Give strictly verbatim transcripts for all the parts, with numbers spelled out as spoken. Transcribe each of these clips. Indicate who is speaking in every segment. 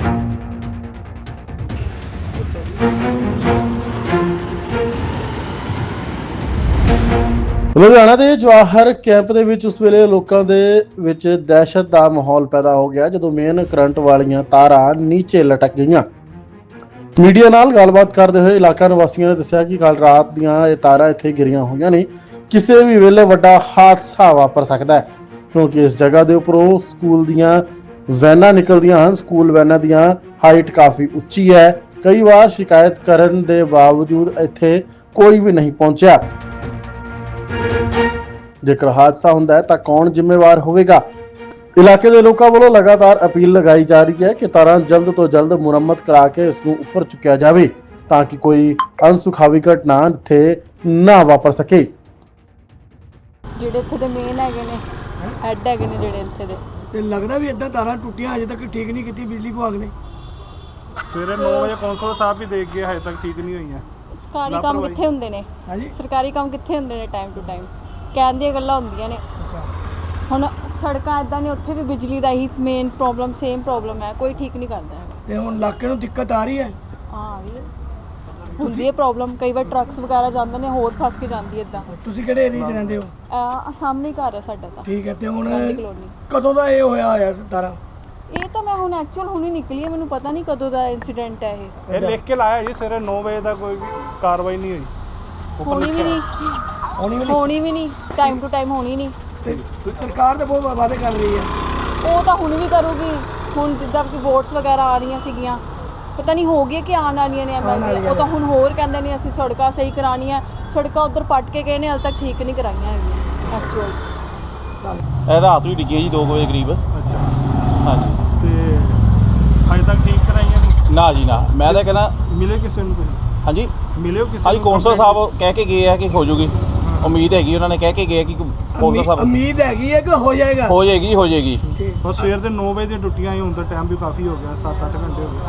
Speaker 1: ਲੁਧਿਆਣਾ ਦੇ ਜਵਾਹਰ ਕੈਂਪ ਦੇ ਵਿੱਚ ਉਸ ਵੇਲੇ ਲੋਕਾਂ ਦੇ ਵਿੱਚ ਦਹਿਸ਼ਤ ਦਾ ਮਾਹੌਲ ਪੈਦਾ ਹੋ ਗਿਆ ਜਦੋਂ ਮੇਨ ਕਰੰਟ ਵਾਲੀਆਂ ਤਾਰਾਂ ਨੀਚੇ ਲਟਕ ਗਈਆਂ। ਮੀਡੀਆ ਨਾਲ ਗੱਲਬਾਤ ਕਰਦੇ ਹੋਏ ਇਲਾਕਾ ਨਿਵਾਸੀਆਂ ਨੇ ਦੱਸਿਆ ਕਿ ਕੱਲ ਰਾਤ ਦੀਆਂ ਇਹ ਤਾਰਾਂ ਇੱਥੇ ਗਿਰੀਆਂ ਹੋਈਆਂ ਨੇ। ਕਿਸੇ ਵੀ ਵੇਲੇ ਵੱਡਾ ਹਾਦਸਾ ਵਾਪਰ ਸਕਦਾ ਹੈ ਕਿਉਂਕਿ ਇਸ ਜਗ੍ਹਾ ਦੇ ਉੱਪਰੋਂ ਸਕੂਲ ਦੀਆਂ ਵੈਨਾਂ ਨਿਕਲਦੀਆਂ ਹਨ। ਸਕੂਲ ਵੈਨਾਂ ਦੀਆਂ ਹਾਈਟ ਕਾਫੀ ਉੱਚੀ ਹੈ। ਕਈ ਵਾਰ ਸ਼ਿਕਾਇਤ ਕਰਨ ਦੇ ਬਾਵਜੂਦ ਇੱਥੇ ਕੋਈ ਵੀ ਨਹੀਂ ਪਹੁੰਚਿਆ। ਜੇਕਰ ਹਾਦਸਾ ਹੁੰਦਾ ਹੈ ਤਾਂ ਕੌਣ ਜ਼ਿੰਮੇਵਾਰ ਹੋਵੇਗਾ? ਇਲਾਕੇ ਦੇ ਲੋਕਾਂ ਵੱਲੋਂ ਲਗਾਤਾਰ ਅਪੀਲ ਲਗਾਈ ਜਾ ਰਹੀ ਹੈ ਕਿ ਤਾਰਾਂ ਜਲਦ ਤੋਂ ਜਲਦ ਮੁਰੰਮਤ ਕਰਾ ਕੇ ਇਸ ਨੂੰ ਉੱਪਰ ਚੁੱਕਿਆ ਜਾਵੇ ਤਾਂ ਕਿ ਕੋਈ ਅਣਸੁਖਾਵੀ ਘਟਨਾ ਇੱਥੇ ਨਾ ਵਾਪਰ ਸਕੇ।
Speaker 2: ਜਿਹੜੇ ਇੱਥੇ ਦੇ ਮੇਨ ਹੈਗੇ ਨੇ ਹੈੱਡ ਹੈਗੇ ਨੇ ਜਿਹੜੇ ਇੱਥੇ ਦੇ,
Speaker 3: ਤੇ ਲੱਗਦਾ ਵੀ ਇਦਾਂ ਤਾਰਾਂ ਟੁੱਟੀਆਂ ਅਜੇ ਤੱਕ ਠੀਕ ਨਹੀਂ ਕੀਤੀ ਬਿਜਲੀ ਵਿਭਾਗ ਨੇ।
Speaker 4: ਸਵੇਰੇ ਨੌ ਵਜੇ ਕੌਂਸਲ ਸਾਹਿਬ ਵੀ ਦੇਖ ਗਏ, ਹਜੇ ਤੱਕ ਠੀਕ ਨਹੀਂ ਹੋਈਆਂ।
Speaker 2: ਸਰਕਾਰੀ ਕੰਮ ਕਿੱਥੇ ਹੁੰਦੇ ਨੇ?
Speaker 3: ਹਾਂਜੀ,
Speaker 2: ਸਰਕਾਰੀ ਕੰਮ ਕਿੱਥੇ ਹੁੰਦੇ ਨੇ? ਟਾਈਮ ਟੂ ਟਾਈਮ ਕਹਿਣ ਦੀਆਂ ਗੱਲਾਂ ਹੁੰਦੀਆਂ ਨੇ। ਹੁਣ ਸੜਕਾਂ ਇਦਾਂ ਨੇ, ਉੱਥੇ ਵੀ ਬਿਜਲੀ ਦਾ ਹੀ ਮੇਨ ਪ੍ਰੋਬਲਮ ਸੇਮ ਪ੍ਰੋਬਲਮ ਹੈ, ਕੋਈ ਠੀਕ ਨਹੀਂ ਕਰਦਾ ਹੈ।
Speaker 3: ਤੇ ਹੁਣ ਇਲਾਕੇ ਨੂੰ ਦਿੱਕਤ ਆ ਰਹੀ ਹੈ।
Speaker 2: ਹਾਂ ਵੀ ਹੁੰਦੀ ਹੈ ਪ੍ਰੋਬਲਮ, ਕਈ ਵਾਰ ਟਰੱਕਸ ਵਗੈਰਾ ਜਾਂਦੇ ਨੇ, ਹੋਰ ਫਸ ਕੇ ਜਾਂਦੀ ਇਦਾਂ।
Speaker 3: ਤੁਸੀਂ ਕਿਹੜੇ ਏਰੀਆ 'ਚ ਰਹਿੰਦੇ ਹੋ?
Speaker 2: ਆ ਸਾਹਮਣੇ ਹੀ ਘਰ ਹੈ ਸਾਡਾ ਤਾਂ।
Speaker 3: ਠੀਕ ਹੈ, ਤੇ ਹੁਣ
Speaker 2: ਗਾਂਧੀ ਕਲੋਨੀ।
Speaker 3: ਕਦੋਂ ਦਾ ਇਹ ਹੋਇਆ ਹੋਇਆ ਤਾਰਾਂ?
Speaker 2: ਇਹ ਤਾਂ ਮੈਂ ਹੁਣ ਐਕਚੁਅਲ ਹੁਣੀ ਨਿਕਲੀ ਹੈ, ਮੈਨੂੰ ਪਤਾ ਨਹੀਂ ਕਦੋਂ ਦਾ ਇੰਸੀਡੈਂਟ ਹੈ ਇਹ।
Speaker 4: ਇਹ ਲਿਖ ਕੇ ਲਾਇਆ ਜੀ ਸਵੇਰੇ ਨੌ ਵਜੇ ਦਾ, ਕੋਈ ਵੀ ਕਾਰਵਾਈ ਨਹੀਂ ਹੋਈ।
Speaker 2: ਹੋਣੀ ਵੀ ਨਹੀਂ
Speaker 3: ਹੋਣੀ ਵੀ
Speaker 2: ਹੋਣੀ ਵੀ ਨਹੀਂ ਟਾਈਮ ਟੂ ਟਾਈਮ ਹੋਣੀ ਨਹੀਂ।
Speaker 3: ਤੇ ਸਰਕਾਰ ਤਾਂ ਬਹੁਤ ਵਾਅਦੇ ਕਰ ਰਹੀ ਹੈ।
Speaker 2: ਉਹ ਤਾਂ ਹੁਣ ਵੀ ਕਰੂਗੀ। ਹੁਣ ਜਿੱਦਾਂ ਕਿ ਵੋਟਸ ਵਗੈਰਾ ਆ ਰਹੀਆਂ ਸੀਗੀਆਂ, ਪਤਾ ਨਹੀਂ ਹੋ ਗਈ ਕਿ ਆਉਣ ਵਾਲੀਆਂ ਨੇ ਐਮਐਲਏ, ਉਹ ਤਾਂ ਹੁਣ ਹੋਰ ਕਹਿੰਦੇ ਨੇ ਅਸੀਂ ਸੜਕਾਂ ਸਹੀ ਕਰਾਉਣੀਆਂ। ਸੜਕਾਂ ਉੱਧਰ ਪੱਟ ਕੇ ਗਏ ਨੇ, ਹਾਲੇ ਤੱਕ ਠੀਕ ਨਹੀਂ ਕਰਾਈਆਂ ਹੈਗੀਆਂ ਐਕਚੁਅਲ 'ਚ।
Speaker 5: ਇਹ ਰਾਤ ਨੂੰ ਡਿੱਗੀ ਜੀ ਦੋ ਵਜੇ ਕਰੀਬ।
Speaker 4: ਅੱਛਾ,
Speaker 5: ਹਾਂਜੀ।
Speaker 4: ਤੇ ਹਜੇ ਤੱਕ ਠੀਕ ਕਰਾਈਆਂ ਨਹੀਂ?
Speaker 5: ਨਾ ਜੀ ਨਾ, ਮੈਂ ਤਾਂ ਕਹਿੰਦਾ
Speaker 4: ਮਿਲੇ ਕਿਸੇ ਨੂੰ? ਤੁਸੀਂ
Speaker 5: ਹਾਂਜੀ
Speaker 4: ਮਿਲੇ ਹੋ ਕਿਸੇ
Speaker 5: ਹਾਂਜੀ, ਕੌਂਸਲ ਸਾਹਿਬ ਕਹਿ ਕੇ ਗਏ ਆ ਕਿ ਹੋ ਜੂਗੀ। ਉਮੀਦ ਹੈਗੀ, ਉਹਨਾਂ ਨੇ ਕਹਿ ਕੇ ਗਏ ਕਿ ਕੌਂਸਲ ਸਾਹਿਬ
Speaker 3: ਉਮੀਦ ਹੈਗੀ ਹੈ ਕਿ ਹੋ ਜਾਏਗਾ।
Speaker 5: ਹੋ ਜਾਏਗੀ ਹੋ ਜਾਏਗੀ।
Speaker 4: ਉਹ ਸਵੇਰ ਦੇ ਨੌ ਵਜੇ ਦੀਆਂ ਟੁੱਟੀਆਂ ਹੀ, ਹੁਣ ਤਾਂ ਟਾਈਮ ਵੀ ਕਾਫੀ ਹੋ ਗਿਆ, ਸੱਤ ਅੱਠ ਘੰਟੇ ਹੋ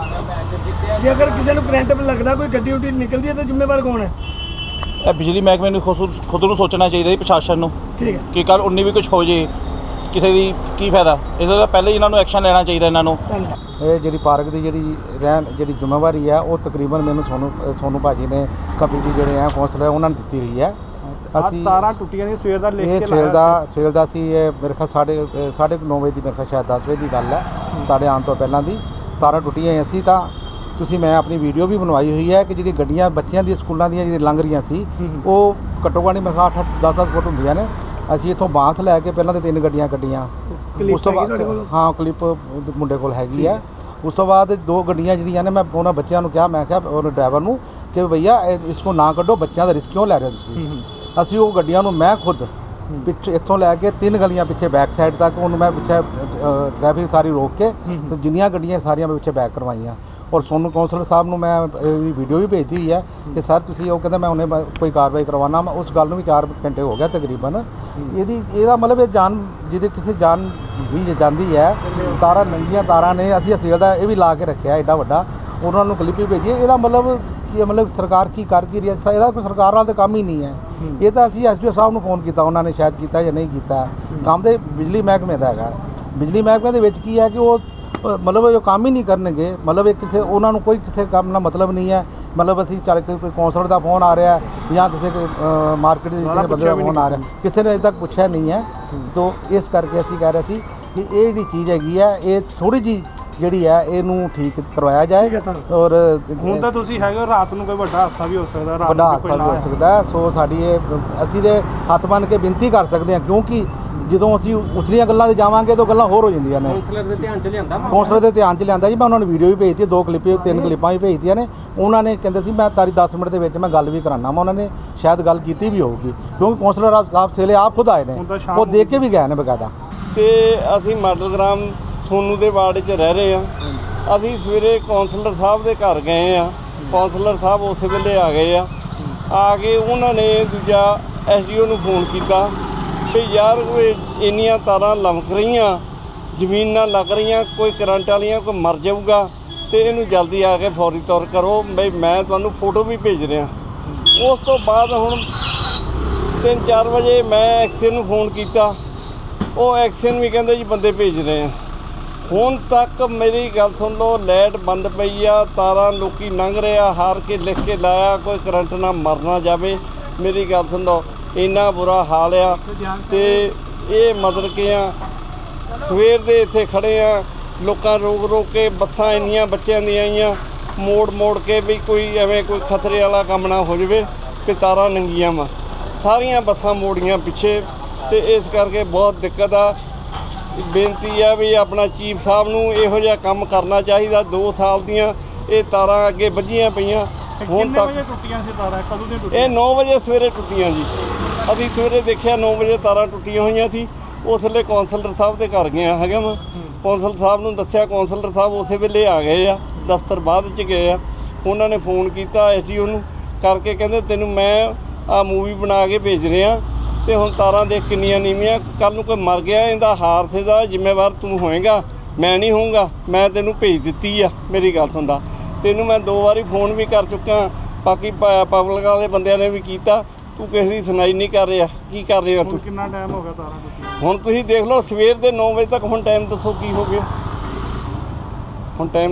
Speaker 4: ਗਏ।
Speaker 3: ਜੇ ਅਗਰ ਕਿਸੇ ਨੂੰ ਕਰੰਟ ਲੱਗਦਾ, ਕੋਈ ਗੱਡੀ ਉੱਡੀ ਨਿਕਲਦੀ ਹੈ ਤਾਂ ਜ਼ਿੰਮੇਵਾਰ ਕੌਣ ਹੈ?
Speaker 5: ਇਹ ਬਿਜਲੀ ਮਹਿਕਮੇ ਨੂੰ ਖੁਦ ਖੁਦ ਨੂੰ ਸੋਚਣਾ ਚਾਹੀਦਾ ਜੀ, ਪ੍ਰਸ਼ਾਸਨ ਨੂੰ,
Speaker 3: ਠੀਕ ਹੈ
Speaker 5: ਕਿ ਕੱਲ ਉਨੀ ਵੀ ਕੁਝ ਹੋ ਜੇ ਕਿਸੇ ਦੀ ਕੀ ਫਾਇਦਾ। ਇਸ ਤੋਂ ਪਹਿਲੇ ਹੀ ਇਹਨਾਂ ਨੂੰ ਐਕਸ਼ਨ ਲੈਣਾ ਚਾਹੀਦਾ ਇਹਨਾਂ ਨੂੰ।
Speaker 6: ਇਹ ਜਿਹੜੀ ਪਾਰਕ ਦੀ ਜਿਹੜੀ ਰਹਿਣ ਜਿਹੜੀ ਜ਼ਿੰਮੇਵਾਰੀ ਹੈ ਉਹ ਤਕਰੀਬਨ ਮੈਨੂੰ ਸੋਨੂ ਸੋਨੂ ਭਾਜੀ ਨੇ ਕਪਿਲ ਜੀ ਜਿਹੜੇ ਆ ਕੌਂਸਲਰ ਉਹਨਾਂ ਨੇ ਦਿੱਤੀ ਹੋਈ ਹੈ।
Speaker 4: ਅਸੀਂ ਤਾਰਾਂ ਟੁੱਟੀਆਂ ਦੀ ਸਵੇਰ ਦਾ ਲਿਖ ਕੇ
Speaker 6: ਇਹ ਸਵੇਰ ਦਾ ਸਵੇਰ ਦਾ ਸੀ। ਇਹ ਮੇਰੇ ਖਿਆਲ ਸਾਢੇ ਸਾਢੇ ਨੌ ਵਜੇ ਦੀ, ਮੇਰੇ ਖਿਆਲ ਸ਼ਾਇਦ ਦਸ ਵਜੇ ਦੀ ਗੱਲ ਹੈ, ਸਾਡੇ ਆਉਣ ਤੋਂ ਪਹਿਲਾਂ ਦੀ ਤਾਰਾਂ ਟੁੱਟੀਆਂ ਅਸੀਂ ਤਾਂ ਤੁਸੀਂ ਮੈਂ ਆਪਣੀ ਵੀਡੀਓ ਵੀ ਬਣਵਾਈ ਹੋਈ ਹੈ ਕਿ ਜਿਹੜੀ ਗੱਡੀਆਂ ਬੱਚਿਆਂ ਦੀਆਂ ਸਕੂਲਾਂ ਦੀਆਂ ਜਿਹੜੀਆਂ ਲੰਘ ਰਹੀਆਂ ਸੀ ਉਹ ਘੱਟੋ ਘੱਟ ਮੇਰੇ ਖਿਆਲ ਅੱਠ ਦਸ ਦਸ ਫੁੱਟ ਹੁੰਦੀਆਂ ਨੇ। ਅਸੀਂ ਇੱਥੋਂ ਬਾਂਸ ਲੈ ਕੇ ਪਹਿਲਾਂ ਤਾਂ ਤਿੰਨ ਗੱਡੀਆਂ ਕੱਢੀਆਂ, ਉਸ ਤੋਂ ਬਾਅਦ ਹਾਂ ਕਲਿੱਪ ਮੁੰਡੇ ਕੋਲ ਹੈਗੀ ਹੈ। ਉਸ ਤੋਂ ਬਾਅਦ ਦੋ ਗੱਡੀਆਂ ਜਿਹੜੀਆਂ ਨੇ ਮੈਂ ਉਹਨਾਂ ਬੱਚਿਆਂ ਨੂੰ ਕਿਹਾ, ਮੈਂ ਕਿਹਾ ਉਹ ਡਰਾਈਵਰ ਨੂੰ ਕਿ ਭਈਆ ਇਸ ਨੂੰ ਨਾ ਕੱਢੋ, ਬੱਚਿਆਂ ਦਾ ਰਿਸਕ ਕਿਉਂ ਲੈ ਰਹੇ ਹੋ ਤੁਸੀਂ। ਅਸੀਂ ਉਹ ਗੱਡੀਆਂ ਨੂੰ ਮੈਂ ਖੁਦ ਪਿੱਛੇ ਇੱਥੋਂ ਲੈ ਕੇ ਤਿੰਨ ਗਲੀਆਂ ਪਿੱਛੇ ਬੈਕ ਸਾਈਡ ਤੱਕ ਉਹਨੂੰ ਮੈਂ ਪਿੱਛੇ ਟ੍ਰੈਫਿਕ ਸਾਰੀ ਰੋਕ ਕੇ ਤੇ ਜਿੰਨੀਆਂ ਗੱਡੀਆਂ ਸਾਰੀਆਂ ਮੈਂ ਪਿੱਛੇ ਬੈਕ ਕਰਵਾਈਆਂ। ਔਰ ਸੋਨੂੰ ਕੌਂਸਲਰ ਸਾਹਿਬ ਨੂੰ ਮੈਂ ਇਹਦੀ ਵੀਡੀਓ ਵੀ ਭੇਜੀ ਹੋਈ ਹੈ ਕਿ ਸਰ ਤੁਸੀਂ, ਉਹ ਕਹਿੰਦਾ ਮੈਂ ਉਹਨੇ ਕੋਈ ਕਾਰਵਾਈ ਕਰਵਾਉਣਾ। ਮੈਂ ਉਸ ਗੱਲ ਨੂੰ ਵੀ ਚਾਰ ਘੰਟੇ ਹੋ ਗਿਆ ਤਕਰੀਬਨ। ਇਹਦੀ ਇਹਦਾ ਮਤਲਬ ਇਹ ਜਾਨ ਜਿਹਦੇ ਕਿਸੇ ਜਾਨ ਦੀ ਜਾਂਦੀ ਹੈ। ਤਾਰਾਂ ਨੰਗੀਆਂ ਤਾਰਾਂ ਨੇ, ਅਸੀਂ ਅਸੇਲ ਦਾ ਇਹ ਵੀ ਲਾ ਕੇ ਰੱਖਿਆ ਐਡਾ ਵੱਡਾ, ਉਹਨਾਂ ਨੂੰ ਕਲਿੱਪ ਵੀ ਭੇਜੀ। ਇਹਦਾ ਮਤਲਬ ਕੀ ਮਤਲਬ ਸਰਕਾਰ ਕੀ ਕਰ ਕੀ ਰਹੀ ਹੈ? ਇਹਦਾ ਕੋਈ ਸਰਕਾਰ ਨਾਲ ਤਾਂ ਕੰਮ ਹੀ ਨਹੀਂ ਹੈ। ਇਹ ਤਾਂ ਅਸੀਂ ਐਸ ਡੀ ਓ ਸਾਹਿਬ ਨੂੰ ਫੋਨ ਕੀਤਾ, ਉਹਨਾਂ ਨੇ ਸ਼ਾਇਦ ਕੀਤਾ ਜਾਂ ਨਹੀਂ ਕੀਤਾ। ਕੰਮ ਤੇ ਬਿਜਲੀ ਮਹਿਕਮੇ ਦਾ ਹੈਗਾ। ਬਿਜਲੀ ਮਹਿਕਮੇ ਦੇ ਵਿੱਚ ਕੀ ਹੈ ਕਿ ਉਹ ਮਤਲਬ ਜੋ ਕੰਮ ਹੀ ਨਹੀਂ ਕਰਨਗੇ, ਮਤਲਬ ਇਹ ਕਿਸੇ ਉਹਨਾਂ ਨੂੰ ਕੋਈ ਕਿਸੇ ਕੰਮ ਨਾਲ ਮਤਲਬ ਨਹੀਂ ਹੈ। ਮਤਲਬ ਅਸੀਂ ਚੱਲ ਕੇ ਕੋਈ ਕੌਂਸਲਰ ਦਾ ਫੋਨ ਆ ਰਿਹਾ ਜਾਂ ਕਿਸੇ ਮਾਰਕੀਟ ਦੇ ਕਿਸੇ ਬੰਦੇ ਦਾ ਫੋਨ ਆ ਰਿਹਾ, ਕਿਸੇ ਨੇ ਅਜੇ ਤੱਕ ਪੁੱਛਿਆ ਨਹੀਂ ਹੈ। ਤਾਂ ਇਸ ਕਰਕੇ ਅਸੀਂ ਕਹਿ ਰਹੇ ਸੀ ਕਿ ਇਹ ਜਿਹੜੀ ਚੀਜ਼ ਹੈਗੀ ਹੈ ਇਹ ਥੋੜ੍ਹੀ ਜਿਹੀ ਜਿਹੜੀ ਹੈ ਇਹਨੂੰ ਠੀਕ ਕਰਵਾਇਆ ਜਾਏ। ਔਰ
Speaker 4: ਹੁਣ ਤਾਂ ਤੁਸੀਂ ਹੈਗੇ, ਰਾਤ ਨੂੰ ਕੋਈ ਵੱਡਾ ਹਾਦਸਾ ਵੀ ਹੋ ਸਕਦਾ,
Speaker 6: ਵੱਡਾ ਹਾਦਸਾ ਵੀ ਹੋ ਸਕਦਾ। ਸੋ ਸਾਡੀ ਇਹ ਅਸੀਂ ਦੇ ਹੱਥ ਬੰਨ੍ਹ ਕੇ ਬੇਨਤੀ ਕਰ ਸਕਦੇ ਹਾਂ, ਕਿਉਂਕਿ ਜਦੋਂ ਅਸੀਂ ਉਚਲੀਆਂ ਗੱਲਾਂ 'ਤੇ ਜਾਵਾਂਗੇ ਤਾਂ ਗੱਲਾਂ ਹੋਰ ਹੋ ਜਾਂਦੀਆਂ ਨੇ।
Speaker 7: ਕੌਂਸਲਰ ਦੇ ਧਿਆਨ 'ਚ ਲਿਆਂਦਾ
Speaker 6: ਕੌਂਸਲਰ ਦੇ ਧਿਆਨ 'ਚ ਲਿਆਂਦਾ ਜੀ। ਮੈਂ ਉਹਨਾਂ ਨੂੰ ਵੀਡੀਓ ਵੀ ਭੇਜਤੀ, ਦੋ ਕਲਿੱਪ ਤਿੰਨ ਕਲਿੱਪਾਂ ਵੀ ਭੇਜਤੀਆਂ ਨੇ। ਉਹਨਾਂ ਨੇ ਕਹਿੰਦੇ ਸੀ ਮੈਂ ਤਾਰੀ ਦਸ ਮਿੰਟ ਦੇ ਵਿੱਚ ਮੈਂ ਗੱਲ ਵੀ ਕਰਾਉਣਾ। ਮੈਂ ਉਹਨਾਂ ਨੇ ਸ਼ਾਇਦ ਗੱਲ ਕੀਤੀ ਵੀ ਹੋਊਗੀ, ਕਿਉਂਕਿ ਕੌਂਸਲਰ ਸਾਹਿਬ ਸਵੇਲੇ ਆਪ ਖੁਦ ਆਏ ਨੇ, ਉਹ ਦੇਖ ਕੇ ਵੀ ਗਏ ਨੇ ਬਕਾਇਦਾ।
Speaker 8: ਤੇ ਅਸੀਂ ਮਾਡਲ ਗ੍ਰਾਮ ਸੋਨੂ ਦੇ ਵਾਰਡ 'ਚ ਰਹਿ ਰਹੇ ਹਾਂ। ਅਸੀਂ ਸਵੇਰੇ ਕੌਂਸਲਰ ਸਾਹਿਬ ਦੇ ਘਰ ਗਏ ਆ। ਕੌਂਸਲਰ ਸਾਹਿਬ ਉਸੇ ਵੇਲੇ ਆ ਗਏ ਆ। ਆ ਕੇ ਉਹਨਾਂ ਨੇ ਦੂਜਾ ਐਸ ਡੀ ਓ ਨੂੰ ਫੋਨ ਕੀਤਾ ਵੀ ਯਾਰ ਇੰਨੀਆਂ ਤਾਰਾਂ ਲਮਕ ਰਹੀਆਂ, ਜ਼ਮੀਨ ਨਾਲ ਲੱਗ ਰਹੀਆਂ, ਕੋਈ ਕਰੰਟ ਵਾਲੀਆਂ ਕੋਈ ਮਰ ਜਾਊਗਾ ਅਤੇ ਇਹਨੂੰ ਜਲਦੀ ਆ ਕੇ ਫੌਰੀ ਤੌਰ ਕਰੋ। ਬਈ ਮੈਂ ਤੁਹਾਨੂੰ ਫੋਟੋ ਵੀ ਭੇਜ ਰਿਹਾ। ਉਸ ਤੋਂ ਬਾਅਦ ਹੁਣ ਤਿੰਨ ਚਾਰ ਵਜੇ ਮੈਂ ਐਕਸੀਅਨ ਨੂੰ ਫੋਨ ਕੀਤਾ, ਉਹ ਐਕਸੀਅਨ ਵੀ ਕਹਿੰਦੇ ਜੀ ਬੰਦੇ ਭੇਜ ਰਹੇ ਆ। ਹੁਣ ਤੱਕ ਮੇਰੀ ਗੱਲ ਸੁਣ ਲਓ, ਲਾਈਟ ਬੰਦ ਪਈ ਆ, ਤਾਰਾਂ ਲੋਕੀ ਲੰਘ ਰਿਹਾ, ਹਾਰ ਕੇ ਲਿਖ ਕੇ ਲਾਇਆ ਕੋਈ ਕਰੰਟ ਨਾਲ ਮਰ ਨਾ ਜਾਵੇ। ਮੇਰੀ ਗੱਲ ਸੁਣ ਲਓ, ਇੰਨਾ ਬੁਰਾ ਹਾਲ ਆ। ਤੇ ਇਹ ਮਤਲਬ ਕਿ ਆ ਸਵੇਰ ਦੇ ਇੱਥੇ ਖੜੇ ਆ, ਲੋਕਾਂ ਰੋਕ ਰੋਕ ਕੇ ਬੱਸਾਂ ਇੰਨੀਆਂ ਬੱਚਿਆਂ ਦੀਆਂ ਆਈਆਂ, ਮੋੜ ਮੋੜ ਕੇ ਵੀ ਕੋਈ ਐਵੇਂ ਕੋਈ ਖਤਰੇ ਵਾਲਾ ਕੰਮ ਨਾ ਹੋ ਜਾਵੇ ਕਿ ਤਾਰਾਂ ਨੰਗੀਆਂ ਵਾ। ਸਾਰੀਆਂ ਬੱਸਾਂ ਮੋੜੀਆਂ ਪਿੱਛੇ, ਤੇ ਇਸ ਕਰਕੇ ਬਹੁਤ ਦਿੱਕਤ ਆ। ਬੇਨਤੀ ਆ ਵੀ ਆਪਣਾ ਚੀਫ ਸਾਹਿਬ ਨੂੰ ਇਹੋ ਜਿਹਾ ਕੰਮ ਕਰਨਾ ਚਾਹੀਦਾ। ਦੋ ਸਾਲ ਦੀਆਂ ਇਹ ਤਾਰਾਂ ਅੱਗੇ ਵੱਜੀਆਂ ਪਈਆਂ, ਹੁਣ
Speaker 4: ਕਿੰਨੇ
Speaker 8: ਤੱਕ
Speaker 4: ਵਜੇ ਟੁੱਟੀਆਂ ਸੀ ਤਾਰਾਂ, ਕਦੋਂ ਦੀਆਂ
Speaker 8: ਇਹ
Speaker 4: ਟੁੱਟੀਆਂ?
Speaker 8: ਨੌ ਵਜੇ ਸਵੇਰੇ ਟੁੱਟੀਆਂ ਜੀ। ਅਸੀਂ ਸਵੇਰੇ ਦੇਖਿਆ ਨੌ ਵਜੇ ਤਾਰਾਂ ਟੁੱਟੀਆਂ ਹੋਈਆਂ ਸੀ। ਉਸ ਵੇਲੇ ਕੌਂਸਲਰ ਸਾਹਿਬ ਦੇ ਘਰ ਗਿਆ ਹੈਗਾ ਮੈਂ, ਕੌਂਸਲਰ ਸਾਹਿਬ ਨੂੰ ਦੱਸਿਆ, ਕੌਂਸਲਰ ਸਾਹਿਬ ਉਸੇ ਵੇਲੇ ਆ ਗਏ ਆ, ਦਫ਼ਤਰ ਬਾਅਦ 'ਚ ਗਏ ਆ। ਉਹਨਾਂ ਨੇ ਫੋਨ ਕੀਤਾ ਐਸ ਡੀ ਓ ਨੂੰ ਕਰਕੇ, ਕਹਿੰਦੇ ਤੈਨੂੰ ਮੈਂ ਆ ਮੂਵੀ ਬਣਾ ਕੇ ਭੇਜ ਰਿਹਾ, ਤੇ ਹੁਣ ਤਾਰਾਂ ਦੇਖ ਕਿੰਨੀਆਂ ਨੀਵੀਆਂ, ਕੱਲ ਨੂੰ ਕੋਈ ਮਰ ਗਿਆ ਇਹਦਾ ਹਾਦਸੇ ਦਾ ਜ਼ਿੰਮੇਵਾਰ ਤੂੰ ਹੋਏਗਾ, ਮੈਂ ਨਹੀਂ ਹੋਊਂਗਾ। ਮੈਂ ਤੈਨੂੰ ਭੇਜ ਦਿੱਤੀ ਆ। ਮੇਰੀ ਗੱਲ ਸੁਣਦਾ, ਤੈਨੂੰ ਮੈਂ ਦੋ ਵਾਰੀ ਫੋਨ ਵੀ ਕਰ ਚੁੱਕਾ, ਬਾਕੀ ਪਬਲਿਕ ਵਾਲੇ ਬੰਦਿਆਂ ਨੇ ਵੀ ਕੀਤਾ, ਤੂੰ ਕਿਸੇ ਦੀ ਸੁਣਾਈ ਨਹੀਂ ਕਰ ਰਿਹਾ। ਕੀ ਕਰ ਰਹੇ ਹੋ
Speaker 4: ਹੁਣ
Speaker 8: ਤੂੰ?
Speaker 4: ਕਿੰਨਾ ਟਾਈਮ ਹੋ ਗਿਆ ਤਾਰਾਂ ਟੁੱਟੀਆਂ?
Speaker 8: ਹੁਣ ਤੁਸੀਂ ਦੇਖ ਲਓ, ਸਵੇਰ ਦੇ ਨੌ ਵਜੇ ਤੱਕ ਹੁਣ ਟਾਈਮ ਦੱਸੋ ਕੀ ਹੋ ਗਿਆ ਹੁਣ ਟਾਈਮ